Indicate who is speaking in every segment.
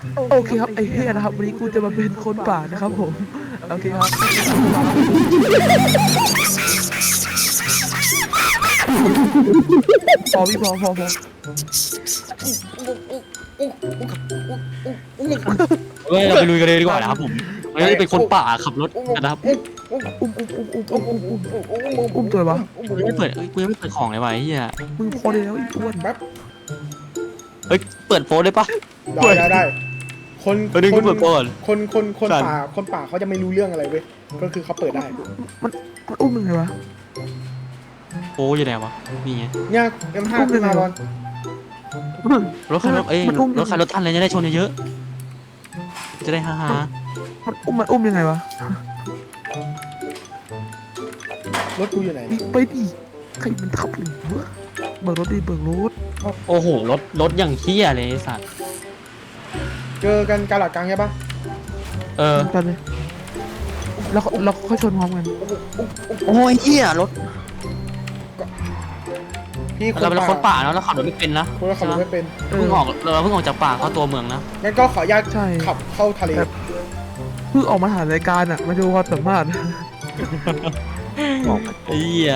Speaker 1: โอเคครับไอ้เหี้ยนะครับวันนี้กูจะมาเป็นคนป่านะครับผมโอเคครับพอพี่พอ
Speaker 2: เฮ้ยเราไปลุยกันเลยดีกว่านะครับผมเราจะเป็นคนป่าขับรถกันนะครับ
Speaker 1: อุ้มตัววะ
Speaker 2: กูยังไม่เปิดกูยังไม่เปิดของเลยวะไอ้เหี้ย
Speaker 1: มึงพอได้แล้วไอ้อ้วน
Speaker 3: แป๊บ
Speaker 2: เฮ้ยเปิดโฟนได้ปะ
Speaker 3: ได้คน
Speaker 2: เดี๋ยวกูเปิดก่อน
Speaker 3: คนป่าเขาจะไม่รู้เรื่องอะไรเว้ยก็คือเขาเปิดได้
Speaker 1: มันอุ้มมึงไงวะ
Speaker 2: โอ้ยอยู่ไหนวะนี่ไง
Speaker 3: เนี่ย M5 ขึ้นมาบอล
Speaker 2: รถคันรถรถคันรถทันเลยจะได้ชนเยอะๆจะได้ฮ่า
Speaker 1: มันอุ้มยังไงวะ
Speaker 3: รถกูอยู่ไหน
Speaker 1: ไปดิใครมันขับหรือวะเบิกรถดิเบิกรถ
Speaker 2: โอ้โหรถอย่างเหี้ยเลยไอ้สัตว์
Speaker 3: เจอกันกาหลักกลางใช่ปะ
Speaker 1: กันเลยแล้วเราค่อยชนพร้อมกัน
Speaker 2: โอ้ยเหี้ยรถ
Speaker 3: พี่
Speaker 2: เราเป็นคนป่าเนาะเราขับรถไม่เป็นนะ
Speaker 3: คนขับรถไม่เป็น
Speaker 2: เราเพิ่งออกจากป่าเข้าตัวเมืองนะ
Speaker 3: งั้นก็ขออนุญาตขับเข้าทะเล
Speaker 1: เพิ่งออกมาถ่ายรายการอ่ะมาดูความสามารถ
Speaker 2: ไอ้เหี้ย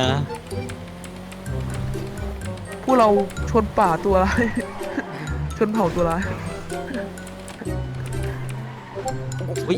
Speaker 1: พวกเราชนป่าตัวร้าย ชนเผ่าตัวร้าย
Speaker 2: อุ้ย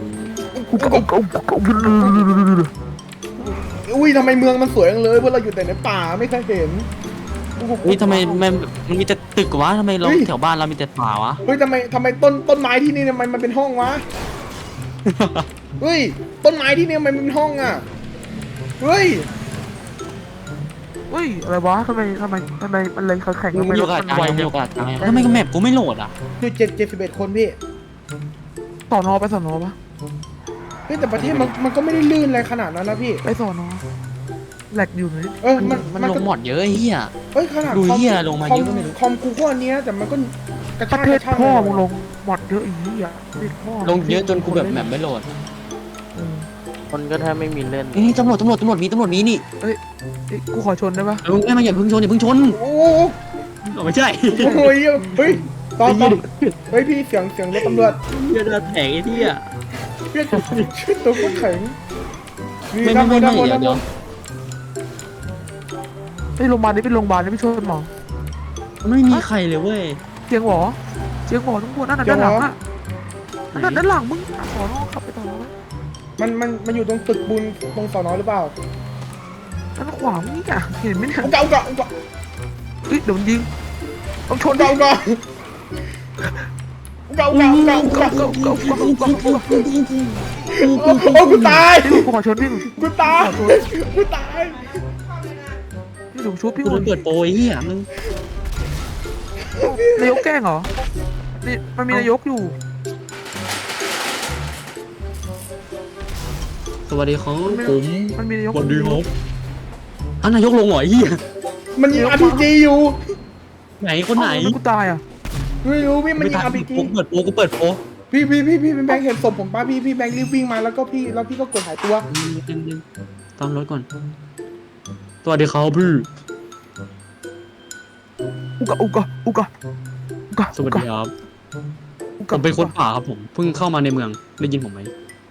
Speaker 3: อุ้ยทำไมเมืองมันสวยจังเลยเพราะเราอยู่แต่ในป่าไม่เคยเห็น
Speaker 2: อุ้ยทำไมมันมีแต่ตึกวะทำไมเราแถวบ้านเรามีแต่ป่าวะ
Speaker 3: เฮ้ยทำไมต้นไม้ที่นี่ทำไมมันเป็นห้องวะ เฮ้ยต้นไม้ที่นี่ทำไมมันเป็นห้องอ่ะเฮ้ย
Speaker 1: เฮ้ยอะไรวะทำไมมันเลยแข่ง
Speaker 2: มีโอกาสจังมีโอกาสจังทำไมก็แมปกูไม่โหลดอ่ะ
Speaker 3: คือ71 คนพี่
Speaker 1: สอนอไปสอนอปะ
Speaker 3: เฮ้ยแต่ประเทศมันก็ไม่ได้ลื่นอะไรขนาดนั้นนะพี่
Speaker 1: ไปสอนอแหลกอยู่ไหม
Speaker 2: มันลงหมดเยอะไอ้เหี้ย
Speaker 3: เฮ้ยขนาด
Speaker 2: ดูเหี้ยลงมาเยอะก็ไม่รู้
Speaker 3: คอมกูก็อันเนี้ยแต่มันก็กระ
Speaker 1: ประ
Speaker 3: ชาก
Speaker 1: เท
Speaker 3: ก
Speaker 1: ศ
Speaker 3: ระชาก
Speaker 1: พ่อมึงลงหมดเยอะอีกอ่ะประเทศพ่อ
Speaker 2: ลงเยอะจนกูแบบแมปไม่โหลด
Speaker 4: คนก็แทบไม่มีเล่น
Speaker 2: นี่ตำรวจมีนี่
Speaker 1: กูขอชนได้ปะ
Speaker 2: ลุงแม่มาอย่าเพิ่งชน
Speaker 3: โอ้
Speaker 2: ไม่ใช่
Speaker 3: โหเฮ้ยตอนเฮ้ยพี่เสียงรถตำรวจ
Speaker 2: เหี้ยจะแถงไอ้เหี้ย
Speaker 3: พี่ชื่อตัวก็แข็ง
Speaker 2: ไม่
Speaker 3: ด้านบน
Speaker 2: เดี๋ยว
Speaker 1: ไปโรงพยาบาลนี่ไปโรงพยาบาลนี่ไปชนหมอ
Speaker 2: ไม่มีใครเลยเว้ย
Speaker 1: เจียงหวอทั้งหมดนั่นน่ะด้านหลังอ่ะนั่นด้านหลังมึงสอนอขับไปต่อไหม
Speaker 3: มันอยู่ตรงตึกบุญตรงสอนอหรือเปล่า
Speaker 1: ด้านขวามึงนี่อ่ะเห็นไหมเนี่ย
Speaker 3: อุกะ
Speaker 1: เฮ้ยเดี๋ยวมันยิงต้องชน
Speaker 3: อุกะ โอ้กูตาย
Speaker 1: พี่กูขอชนพี่
Speaker 3: กูตาย
Speaker 1: พี่หนูชุบพี่
Speaker 2: กูโดนเปิดโปรไอ้เหี้ยมึง
Speaker 1: นายกแกล้งเหรอนี่มันมีนายกอยู่
Speaker 2: สวัสดีครับผม
Speaker 1: มันมีนายก
Speaker 2: สวัสดีครับอ้าวนายกลงเหรอไอ้เหี้ย
Speaker 3: มันยิง RPG อยู่
Speaker 2: ไหนคนไหน
Speaker 1: กูตายอ่ะ
Speaker 3: ไม่รู้พี่มันยิง RPG
Speaker 2: กูเปิดโปร
Speaker 3: พี่แบงค์เห็นศพผมป่ะพี่แบงค์รีบวิ่งมาแล้วพี่ก็กดหายตัว
Speaker 2: ตามรถก่อนสวัสดีครับพี่
Speaker 1: อุกะ
Speaker 2: สวัสดีครับผมเป็นคนป่าครับผมเพิ่งเข้ามาในเมืองได้ยินผมไหม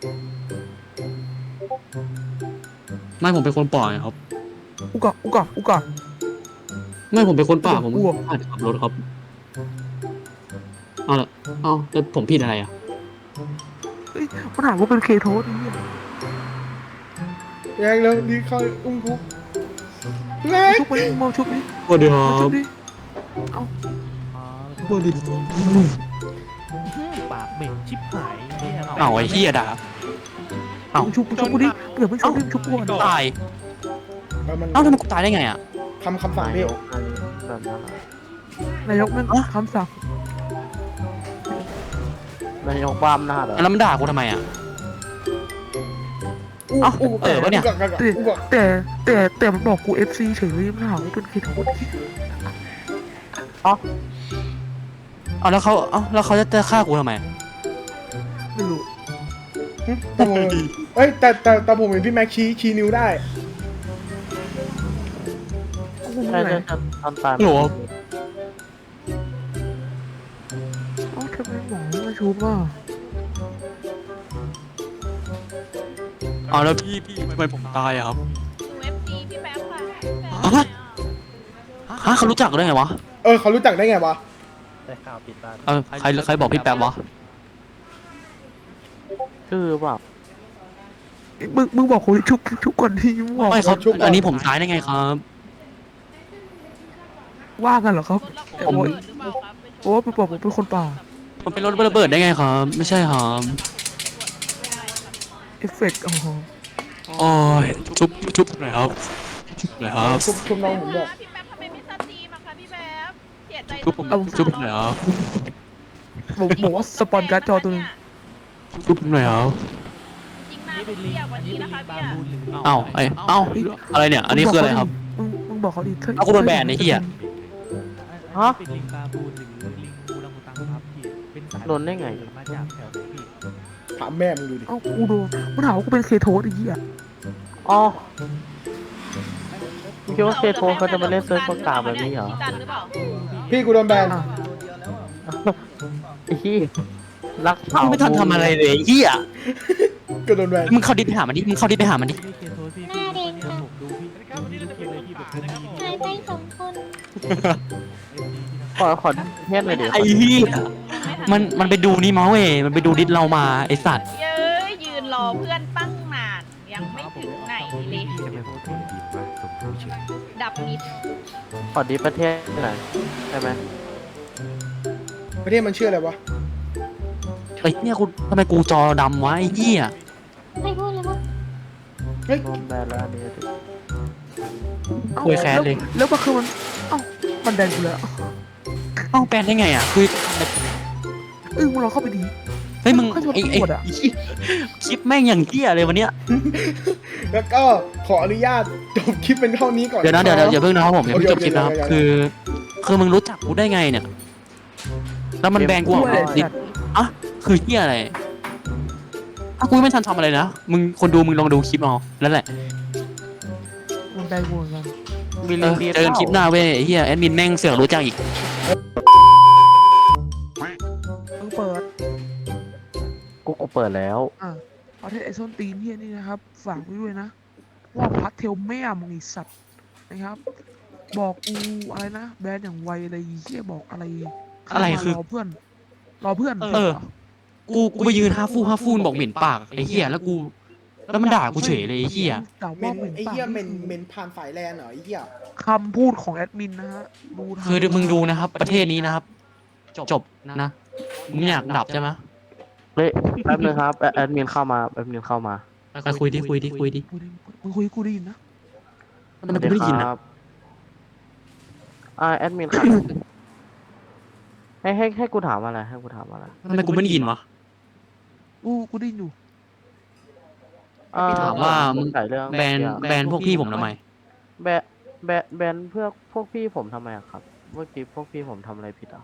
Speaker 2: ไม่ผมเป็นคนป่าครับ
Speaker 1: อุกะ
Speaker 2: ไม่ผมเป็นคนป่าผม
Speaker 1: อ้วก
Speaker 2: อาจจะขับรถครับเอาละเอาแล้วผมผิดอะไรอ่ะ
Speaker 1: เฮ้ยมันถามว่าเป็นเคโทสนี่
Speaker 3: แรงเลยดีเข้าอุ้มคุกแรง
Speaker 1: ชุบไปมองชุบดิ
Speaker 2: สวัสดีครั
Speaker 1: ชุ
Speaker 2: บบ
Speaker 1: ดิ
Speaker 2: สวัสดี
Speaker 4: ปากเหม็นชิบหายเนี่ย
Speaker 2: เอาไอ้เหี้ยด่า เอ้า
Speaker 1: ชุบกูดิเดี๋ยวไม่ชุบดิชุบกูก่อน
Speaker 2: ตาย
Speaker 3: มัน
Speaker 2: เอ้าทำไมกูตายได้ไงอ่ะ
Speaker 3: คำสั่งพี่
Speaker 4: แบบนั้น
Speaker 1: นายกแม่งคำสั่ง
Speaker 4: นายกบ้ามหน้าเหรอ
Speaker 2: แล้วมันด่ากูทำไมอ่ะ เอ้าเออวะเนี่ย
Speaker 1: แต่มันบอกกู FC เฉยเลยมันถามว่าเป็นเคโทส
Speaker 2: เอาแล้วเขาจะฆ่ากูทำไม
Speaker 1: ไม่รู้
Speaker 3: เอ้ยแต่ผมเห็นพี่แม็กชี้นิ้วได้
Speaker 4: ใช่ทำตาม
Speaker 2: หรอ
Speaker 1: เอ้าทำไมหมอไม่ชุบอ่ะ
Speaker 2: เอาแล้วพี่ทำไมผมตายอะครับ
Speaker 5: UFC พี่แป๊บค่ะพี่แป๊บ
Speaker 2: ฮะ ฮะเขารู้จักได้ไงวะ
Speaker 3: เขารู้จักได้ไงวะ
Speaker 4: ได้ข่าวปิดตา
Speaker 2: ใครบอกพี่แป๊บวะ
Speaker 4: ชื่อเปล่า
Speaker 1: มึงบอกคนชุบก่อนที่มึงบอก
Speaker 2: ไม่ครับ
Speaker 3: ชุบก่อน
Speaker 2: อันนี้ผมตายได้ไงครับ
Speaker 1: ว่ากันเหรอครับ
Speaker 5: รถเราเปิดหรือเปล่าครับ
Speaker 1: โอ้ไปบอกผมเป็นคนป่า
Speaker 2: ผมเป็นรถระเบิดได้ไงครับ ไม่ใช่ครับ
Speaker 1: เอฟเฟกต์อ๋อ
Speaker 2: โอ้ยชุบหน่อยครับชุบหน่อยครับ
Speaker 3: ชุบน้องผมด้วย
Speaker 5: พี่แป๊บทำไมไม่สตรีมอะคะพี่แป๊บเสียใจ
Speaker 2: ชุบผมชุบหน่อยครับ
Speaker 1: ผมบอกว่าสปอนการ์ดจอตัวนึง
Speaker 2: ชุบหน่อยครับ
Speaker 5: จริงนะเรียกวันนี้นะคะพี่
Speaker 2: เอ้าอะไรเนี่ย อันนี้คืออะไรครับ
Speaker 1: มึงบอกเขาดิ
Speaker 2: เอากูโดนแบนไอ้เหี้ย
Speaker 4: ฮะ
Speaker 6: เป็นลิงบาบูนหรือลิงอูรังอุตังครับพี่เป็นสาย
Speaker 4: โดนได้ไง
Speaker 6: มาจากแถวไหนพี่
Speaker 3: ถามแม่มึงดูดิ
Speaker 1: เอ้ากูโดนมึงถามว่ากูเป็นเคโทสไอ้เหี้ย
Speaker 4: อ๋อมึงคิดว่าเคโทเขาจะมาเล่นเซิร์ฟประกาศแบบนี้เหรอ
Speaker 5: พี่ตันหรือเปล่า
Speaker 3: พี่กูโดนแบน
Speaker 1: อ่ะ
Speaker 4: ไอ้ที่รัก
Speaker 2: มึงไม่ทันทำอะไรเลยไอ้เหี้ย
Speaker 3: ก็โดนแบน
Speaker 2: มึงเข้าดิสไปหามันดิมึงเข้าดิสไปหามันดิ
Speaker 6: พี่เคโทพี่พี่วันนี้ผมดูพี่ดูทุกเกมเลยพี่แบบเป็นมี
Speaker 7: หายไปสองคน
Speaker 4: ขอเทสเลยเดี๋ยว
Speaker 2: ไอ้เหี้ยมันไปดูนี่มาเว้ยมันไปดูดิสเรามาไอ้สัตว์
Speaker 5: เย้ยยืนรอเพื่อนตั้งนานยังไม่ถึงไหนเลย
Speaker 6: พี่จะไปโพสต์ดีมาสมรู้ชื่อ
Speaker 5: ดับมิด
Speaker 4: ขอดีประเทศหน่อยใช่ไหม
Speaker 3: ประเทศมันชื่ออะไรวะ
Speaker 2: ไอ้เนี่ยกูทำไมกูจอดำวะไอ้เหี้ย
Speaker 7: ไม่พูดเลยว่า
Speaker 3: เฮ้ย
Speaker 4: โดนแบนแล้วอันนี้ดิ
Speaker 1: เอ้า
Speaker 2: คุยแค้นเลย
Speaker 1: แล้วมันคือมันเอ้ามันแดนกูแล้ว
Speaker 2: เอ้าแปลนได้ไงอ่ะคือ
Speaker 1: มึงลองเข้าไปดี
Speaker 2: เฮ้ยมึง
Speaker 1: เขาชวน
Speaker 2: ไอ้
Speaker 1: ตำรวจอะ
Speaker 2: คลิปแม่งอย่างเหี้ยเลยวันเนี้ย
Speaker 3: แล้วก็ขออนุญาตจบคลิปเป็นเท่านี้ก่อน
Speaker 2: เดี๋ยวนะเดี๋ยวอย่าเพิ่งนะครับผมอย่าเพิ่งจบคลิปนะครับ
Speaker 3: โอเค
Speaker 2: คือมึงรู้จักกูได้ไงเนี่ยแล้วมันแบนกูออก
Speaker 1: ด้วย
Speaker 2: ดิ
Speaker 1: สัตว์
Speaker 2: อ่ะคือเหี้ยอะไรอ่ะกูไม่ทันทำอะไรนะมึงคนดูมึงลองดูคลิปเอาแล้วแหละ
Speaker 1: มันแดนกูเหมือนกัน
Speaker 4: มี
Speaker 2: เอ
Speaker 4: ลิง
Speaker 2: อ
Speaker 4: ดี
Speaker 2: เจอกันคลิปหน้าเว้ยไอ้เหี้ยแอดมินแม่งเสือกรู้จักอีก
Speaker 1: มึงเปิด
Speaker 4: กูเปิดแล้ว
Speaker 1: ประเทศไอโซนตีนเฮียนี่นะครับ ฝากไว้ด้วยนะ ว่าพัดเทลแม่มึงไอสัตว์นะครับ บอกกูอะไรนะ แบรนด์อย่างไวอะไรเฮียบอกอะไร
Speaker 2: อะไรคือ
Speaker 1: รอเพื่อน รอเพื่อน
Speaker 2: เออ กูไปยืนห้าฟูนบอกเหม็นปากไอ้เหี้ยแล้วกูแล้วมันด่ากูเฉยเลยไอ้เหี้ย
Speaker 1: ด่า
Speaker 3: เม
Speaker 1: ว่าน เหม็น
Speaker 3: ไอ้
Speaker 1: ปาก
Speaker 3: เหี้ยเมน
Speaker 1: คือ
Speaker 3: เมนผ่านฝ่ายแลนเหรอไอ้เหี้ย
Speaker 1: คำพูดของแอดมินนะฮะดูทาง
Speaker 2: คือมึงดูนะครับ ประเทศนี้นะครับ จบนะมึงอยากดับใช่ไหม
Speaker 4: เฮ้ยแป๊บนึงครับแอดมินเข้ามาแอดมินเข้ามา
Speaker 2: ไปคุยดิ
Speaker 1: กูได้มึงคุยกูได้ยินนะ
Speaker 2: ทำไมกูไม่ได้ยิน
Speaker 4: ค
Speaker 2: อ่ะ
Speaker 4: รับแอดมินครับ ให้กูถามอะไรให้กูถามอะไร
Speaker 2: ทำไมกูไม่ได้ยินวะ
Speaker 1: กูได้ยินอยู่
Speaker 2: พี่ถามว่ามึง
Speaker 4: ใส่เรื่อง
Speaker 2: แบนพวกพี่ผมทำไม
Speaker 4: แบนเพื่อพวกพี่ผมทำไมอะครับเมื่อกี้พวกพี่ผมทำอะไรผิดอ่ะ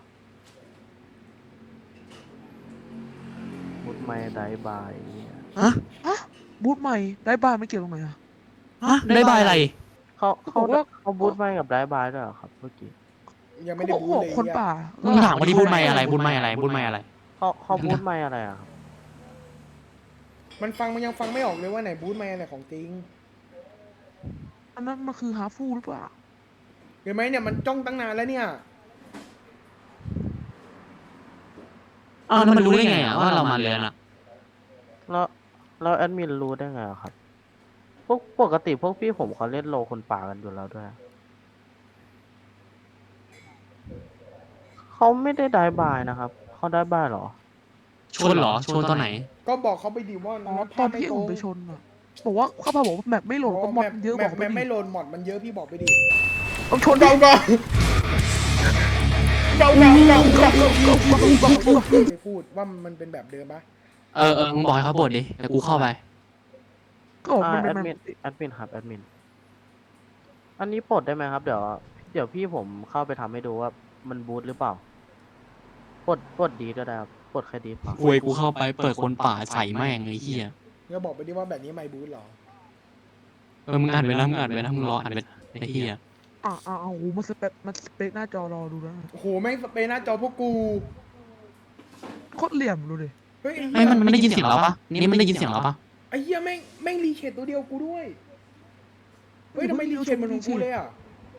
Speaker 4: มุดไม่ได้บายเนี่ย
Speaker 1: บูธใหม่ได้บ้านไม่เกี่ยวตรงไหนอะ
Speaker 2: ฮะได้บายอะไร
Speaker 4: เขา
Speaker 1: บอกว่า
Speaker 4: เขาบูทไม่กับได้บายด้วยเหรอครับเมื่อกี้
Speaker 3: ยังไม่ได้
Speaker 1: เขา
Speaker 3: บู
Speaker 1: บอก
Speaker 3: เลย
Speaker 1: คน
Speaker 3: ไอ้เหี้ย
Speaker 1: ป่า
Speaker 2: มึงถามว่าที่บุญไม่อะไรบุญไม่อะไรบุญไม่อะไร
Speaker 4: เขาบูทไม่อะไรอะครับ
Speaker 3: มันยังฟังไม่ออกเลยว่าไหนบูธมาไหนของจริง
Speaker 1: อันนั้นมันคือฮาฟูหรือเปล่า
Speaker 3: เห็นไหมเนี่ยมันจ้องตั้งนานแล้วเนี่ย
Speaker 2: อ้าวแล้วมันรู้ได้ไงอ่ะว่าเรามาเรียนอ่ะ
Speaker 4: แล้วแอดมินรู้ได้ไงอะครับ พวกปกติพวกพี่ผมเขาเล่นโลคนป่ากันอยู่แล้วด้วย เขาไม่ได้ได้บายนะครับ เขาได้บายเหรอ
Speaker 2: ชนเหรอชนตอนไหน
Speaker 3: ก็บอกเขาไปดิว่า
Speaker 1: อ๋อ
Speaker 3: มัน
Speaker 1: ตอนพี่ผมไปชนอะบอกว่าเขาบอกว่าแมปไม่โหลดก็มอดเยอะบอก
Speaker 3: แมปไม่โหลดมอดมันเยอะพี่บอกไปดิ
Speaker 1: ต้องชน
Speaker 3: เดาก่อนเดาไปพูดว่ามันเป็นแบบเดิมปะ
Speaker 2: มึงบอกให้เขาบดดิแต่กูเข้าไป
Speaker 1: ก็บอกมัน
Speaker 4: แอ
Speaker 1: เป็น
Speaker 4: ด
Speaker 1: แม
Speaker 4: มิน
Speaker 1: ป
Speaker 4: แอดมินครับแอดมิน อันนี้ปลดได้ไหมครับ เดี๋ยวพี่ผมเข้าไปทำให้ดูว่ามันบูทหรือเปล่าปลดดีก็ได้ครับปลดแค่ดีเปล่า
Speaker 2: คุยกูเข้าไปเปิดคนป่าใส่แม่งไอ้เหี้ย
Speaker 3: ก็บอกไปดิว่าแบบนี้ไม่บูธหรอ
Speaker 2: มึงอ่านไปนะมึงอ่านไปนะมึงรออ่านไปไอ้เหี้ย
Speaker 1: โอ้โหมันสเปคหน้าจอรอดูแล้ว
Speaker 3: โอ้โหแม่งสเปรย์หน้าจอพวกกู
Speaker 1: โคตรเหลี่ยมดูดิ
Speaker 3: เฮ้ย
Speaker 2: ไม่มันได้ยินเสียงเราปะนี่มันได้ยินเสียงเราปะ
Speaker 3: ไอ้เหี้ยแม่งรีเชดตัวเดียวกูด้วยเฮ้ยทำไมรีเชดมันของกูเลยอ่ะ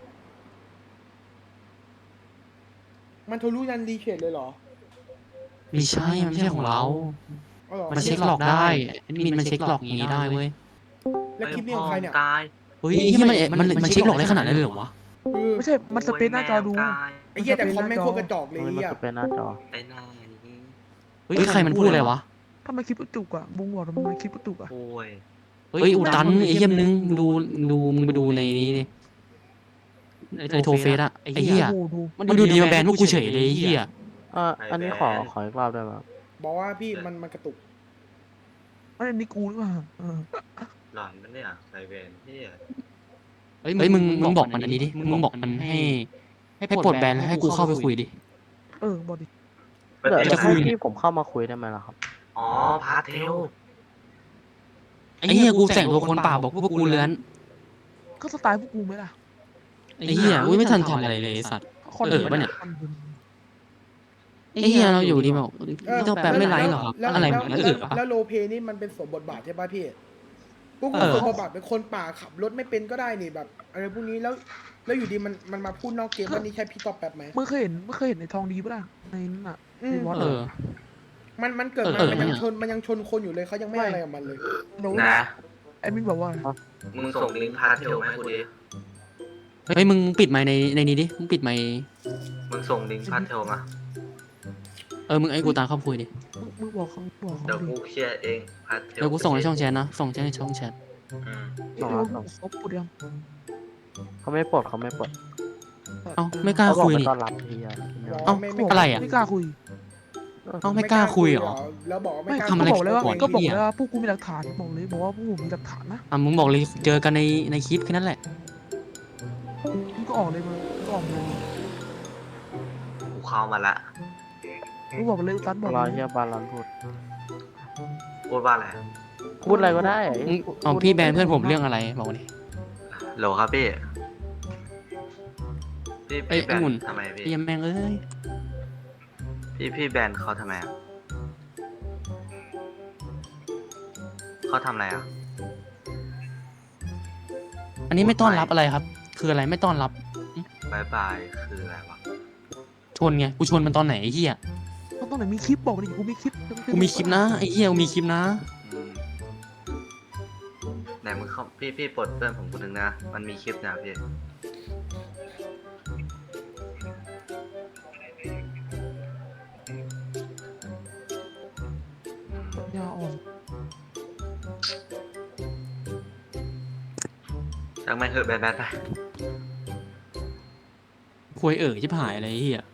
Speaker 3: มันทะลุยันรีเชดเลยเหรอ
Speaker 2: ไม่ใช่มันไม่ใช่ของเรา
Speaker 3: อ๋อเหรอ
Speaker 2: มันเช็คหลอกได้มินมันเช็คหลอกอย่างนี้ได้เว้ย
Speaker 3: แล้วคลิปนี้ของใครเนี่ย
Speaker 2: เฮ้ยที่มันเช็คหลอกได้ขนาดนั้นเลยเหรอวะ
Speaker 1: ไม่ใช่มันสเปซหน้าจอดู
Speaker 3: ไอ้เหี้ยแต่คอมแม่งโคตรกระจอกเลย
Speaker 4: มัน
Speaker 3: ไอ้เหี้ย
Speaker 4: จะเป็นหน้าจอ
Speaker 8: ไอ้หน้านี่
Speaker 2: เฮ้ยใครมันพูดอะไรวะ
Speaker 1: ทำไมคลิปกระจุกอ่ะบุ้งบอกทำไมคลิปกระจุกอ่ะ
Speaker 8: โอ้ย
Speaker 2: เฮ้ยอุตันไอ้เหี้ยนึงมึงไปดูในนี้ดิในโทรเฟซอะไอ้เหี้ย
Speaker 1: โอ้โหดู
Speaker 2: มันดูดีมาแบนพวกกูเฉยเลยไอ้เหี้ย
Speaker 4: อันนี้ขออีกรอบได้ไหมครับ
Speaker 3: บอกว่าพี่มันกระตุก
Speaker 1: มันอันนี้กูหรือเปล่า
Speaker 8: หลอนมันเนี่ยไซเวนที่
Speaker 2: เฮ้ยมึงบอกมันอันนี้ดิมึงบอกมันให้ปลดแบนแล้วให้กูเข้าไปคุยดิ
Speaker 1: บอกดิ
Speaker 4: เดี๋ยว
Speaker 2: จะคุ
Speaker 4: ให้
Speaker 2: ย
Speaker 4: พี่ผมเข้ามาคุยได้ไหมล่ะครับ
Speaker 8: อ๋อพาเทล
Speaker 2: ไอ้เหี้ยกูแต่งตัวคนเปล่าบอกพวกกูเลื้อน
Speaker 1: ก็สไตล์พวกกูไหมล่ะ
Speaker 2: ไอ้เหี้ยกูไม่ทันทำอะไรเลยไอ้สัตว์
Speaker 1: คอน
Speaker 2: ปะเนี่ย
Speaker 1: คอนเทนต์
Speaker 2: ไอ้เหี้ยเราอยู่ดีแบบไม่ต้องแปลไม่ไลฟ์หรอครับอะไรแบบนั้นปะ
Speaker 3: แล้วโลเพนี่มันเป็นสวมบทบาทใช่ป่ะพี่พวกกูสวมบทบาทเป็นคนป่าขับรถไม่เป็นก็ได้นี่แบบอะไรพวกนี้แล้วอยู่ดีมันมาพูดนอกเกมว่านี่ใช่พี่ตอบแป๊บไหม
Speaker 1: เมื่อเคยเห็นในทองดีปะล่ะในนั้นอ่ะในวอต
Speaker 2: เออ
Speaker 3: มันเกิดมามันยังชนคนอยู่เลยเขายังไม่อะไรกับมันเลย
Speaker 8: นะ
Speaker 1: ไอ้มินบอกว่า
Speaker 8: มึงส่งลิงก์พาเทลมาให้กูดิ
Speaker 2: เฮ้ยมึงปิดไมค์ในนี้ดิมึงปิดไมค์
Speaker 8: มึงส่งลิงก์พาเทลมา
Speaker 2: มึงไอ้กูตามเข้าคุยดิ
Speaker 1: มึงบอกเขา
Speaker 8: เดี๋ยว
Speaker 1: ดิ
Speaker 8: กูเคลียร์เองพาเทล
Speaker 2: เดี๋ยวกูส่งในช่องแชทนะส่งในช่องแชท
Speaker 1: เขาพูดยัง
Speaker 4: เขาไม่ปลดเขาไม่ปลด
Speaker 2: เอ้าไม่กล้า
Speaker 4: เขาบอก
Speaker 2: คุย
Speaker 4: ไม่
Speaker 2: นี่
Speaker 4: ต้อนรับพี่อะ
Speaker 2: เอ้าอะไรอะ
Speaker 1: ไม่กล้าคุย
Speaker 2: เอ้าไม่กล้าคุยเหรอ
Speaker 3: แล้วบอกว่า
Speaker 1: ไม่
Speaker 3: ไม่กล้า
Speaker 2: ทำอะไร
Speaker 1: ก็บอกเลยว่า
Speaker 2: ก่อน
Speaker 1: ก็บอก
Speaker 2: เหี้ย
Speaker 1: เลยว่าพวกกูมีหลักฐานบอกว่าพวกกูมีหลักฐานนะ
Speaker 2: มึงบอกเลยเจอกันในคลิปแค่นั้นแหละ
Speaker 1: มึงก็ออกเลยมึงก็ออกเลย
Speaker 8: กูเข้ามาละ
Speaker 1: มึงบอกเลยตันบอก
Speaker 4: รอ
Speaker 1: เลย
Speaker 4: เฮียบาลอนพูด
Speaker 8: พูดว่าอะไร
Speaker 4: พูดอะไรก็ได้
Speaker 2: เอาพี่แบนเพื่อนผมเรื่องอะไรบอกดิ
Speaker 8: โหลครับพี่
Speaker 2: เอ้ย
Speaker 8: พี่แบ
Speaker 2: องุ่น
Speaker 8: นทำไมพี่
Speaker 2: เยี่ยมแม่งเอ้ย
Speaker 8: พี่แบนเขาทำไมอ่ะเขาทำอะไรอ่ะ
Speaker 2: อันนี้ไม่ต้อนรับอะไรครับ คืออะไรไม่ต้อนรับบ
Speaker 8: ายบายคืออะไรวะ
Speaker 2: ชนไงกูชนมันตอนไหนไอ้เหี้ย
Speaker 1: เขาต้องไหนมีคลิปบอกดิกูมีคลิป
Speaker 2: กูมีคลิปนะไอ้เหี้ยกูมีคลิปนะ
Speaker 8: อืมไหนมึงเข้าพี่ปลดเพื่อนผมคนนึงนะมันมีคลิปนะพี่
Speaker 1: ยาอ่อน
Speaker 8: จังไม่เหอะแบนไป
Speaker 2: คุยชิบหายอะไรไอ้เหี้ย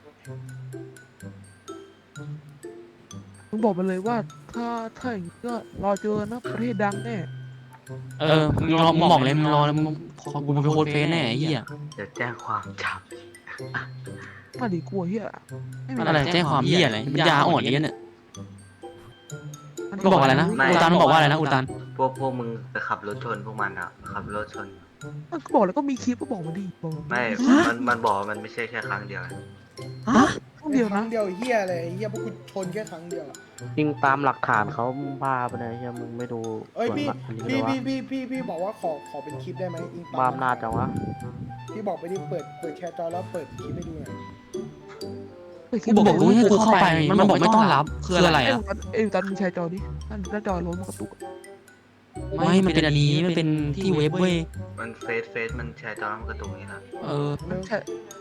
Speaker 1: มึงบอกไปเลยว่าถ้าอย่างนี้ก็รอเจอนะประเทศดังแน่
Speaker 2: มึงบอกเลยมึงรอแล้วมึงขอกูไปโพสเฟซแน่ไอ้เหี้ย
Speaker 8: เดี๋ยวแจ้งความจับ
Speaker 1: มาดิกลัวเฮียไม่มี
Speaker 2: อะไรแจ้งความเหี้ยอะไรมันยาอ่อนเนี้ยเนี่ย
Speaker 1: มัน
Speaker 2: มึงบอกอะไรนะอุตันบอกว่าอะไรนะอุตัน
Speaker 8: พวกมึงไปขับรถชนพวกมันอ่ะขับรถชน
Speaker 1: มันก็บอกแล้วก็มีคลิปก็บอกมาดิบอก
Speaker 8: ไม่มันบอกว่ามันไม่ใช่แค่ครั้งเดียว
Speaker 1: ครั้งเดียว
Speaker 3: ครั้
Speaker 1: นะ
Speaker 3: งเดียวเฮียเลยเฮียพวกกูชนแค่ครั้งเดียว
Speaker 4: จริงตามหลักฐานเขาบ้าไปเลยเฮียมึงไม่ดู
Speaker 3: เอ้ย
Speaker 4: ส่วน
Speaker 3: พี่
Speaker 4: หลักอันนี้เล
Speaker 3: พี่
Speaker 4: ยวะ
Speaker 3: พี่บอกว่าขอเป็นคลิปได้ไหมอิง
Speaker 4: บ้ามนาจจังวะ
Speaker 3: พี่บอกไปดิเปิดแชร์จอแล้วเปิดคลิปให้ดูหน่อย
Speaker 2: กูบอกกูให้กูเข้าไปมันบอกไม่ต้อนรับคืออะไรอ่ะ
Speaker 1: เอ้ยตันมีแชร์จอดิหน้าจอล้นมันกระตุก
Speaker 2: ไม่มันเป็นอันนี้มันเป็นที่เว็บเว้ย
Speaker 8: มันเฟซมันแชร์จอแล้วมันกระตุกนี่นะ
Speaker 1: ใช่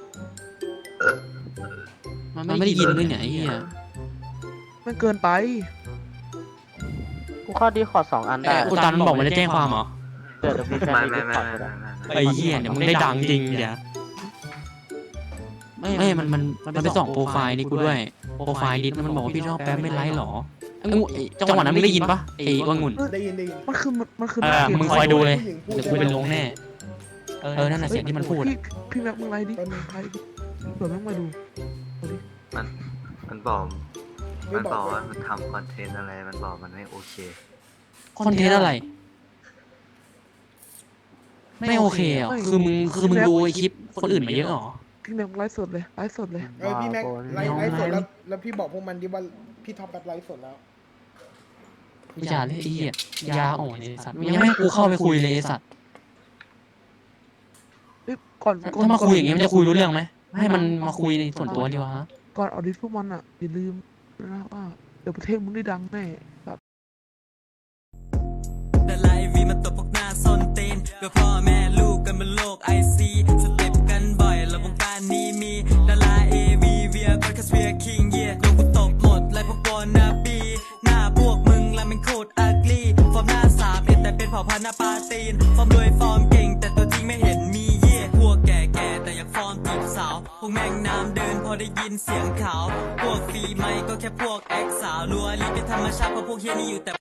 Speaker 2: มันไม่ได้ยินด้วยเนี่ยไอ้เหี้ย
Speaker 1: มันเกินไป
Speaker 4: กูข้อดีขอ2 อันได้
Speaker 2: อุตันบอกมันจะแจ้งความเหรอ
Speaker 4: เดี๋ยวพี่แฟน
Speaker 8: ไม่
Speaker 4: มี
Speaker 8: ไม่
Speaker 4: ขอ
Speaker 8: ไม่
Speaker 4: ก็ได้
Speaker 2: ไอ้เหี้ยเดี๋ยวมึงได้ดังจริงเดี๋ยวไม่มันไปส่องโปรไฟล์นี่กูด้วยโปรไฟล์ดิสมันบอกว่าพี่ชอบแป๊บไม่ไลค์หรอจังหวะนั้นมึงได้ยินปะไอ้ว่างุ่น
Speaker 3: ได้ยิน
Speaker 1: มันคือ
Speaker 2: มึงคอยดูเลย
Speaker 3: ผู้หญิงพูด
Speaker 2: เดี๋ยวกูไปลงแน่นั่นน่ะเสียงที่มันพูด
Speaker 1: พี่แม็กมึงไลฟ์ดิไลฟ์ดิเผื่อแม็กมาดู
Speaker 8: มันบอกว่ามันทำคอนเทนต์อะไรมันบอกมันไม่โอเค
Speaker 2: คอนเทนต์อะไร ไม่โอเคอ่ะคือมึงดูไอคลิปคนอื่นมาเยอะหรอ
Speaker 1: พี่แม็กไลฟ์สดเลย
Speaker 3: พี่แม็กไลฟ์สดแล้วพี่บอกพวกมันดิว่าพี่ท็อปแบบไลฟ์สดแล้ว
Speaker 2: อย่าเลยไอ้เหี้ยยาอ่อนไอ้สัตว์ยังไม่ให้กูเข้าไปคุยเลยไอ้สัตว์
Speaker 1: เอ้ยก่อน
Speaker 2: ถ้ามาคุยอย่างงี้มันจะคุยรู้เรื่องไหมให้มันมาคุยในส่วนตัวดีวะฮะ
Speaker 1: ก่อนออดิตพวกมันอ่ะอย่าลืมนะว่าเดี๋ยวประเทศมึงได้ดังแน่ครับ
Speaker 9: แต่ไลฟ์วีมันตบพวกหน้าส้นตีนก็พ่อแม่ลูกกันบนโลกไอซีสเต็ปกันบ่อยแล้ววงการนี้มีดาราเอวีเวียก็แค่เวียคิงเย่โดนกูตบหมดไล่พวกบอลนาบีหน้าพวกมึงละมันโคตรอักลีฟอร์มหน้าสามเอ็ดแต่เป็นเผ่าพันธุ์หน้าปาตีนฟอร์มรวยฟอร์มเก่งแต่ตัวจริงไม่เห็นมีเย่พวกแก่ๆแต่อยากฟอร์มจีบสาวพวกแม่งน้ำเดินพอได้ยินเสียงขาวพวกฟรีไม่ก็แค่พวกแอคสาวรัวรีเป็นธรรมชาติเพราะพวกเฮียนี่อยู่แต่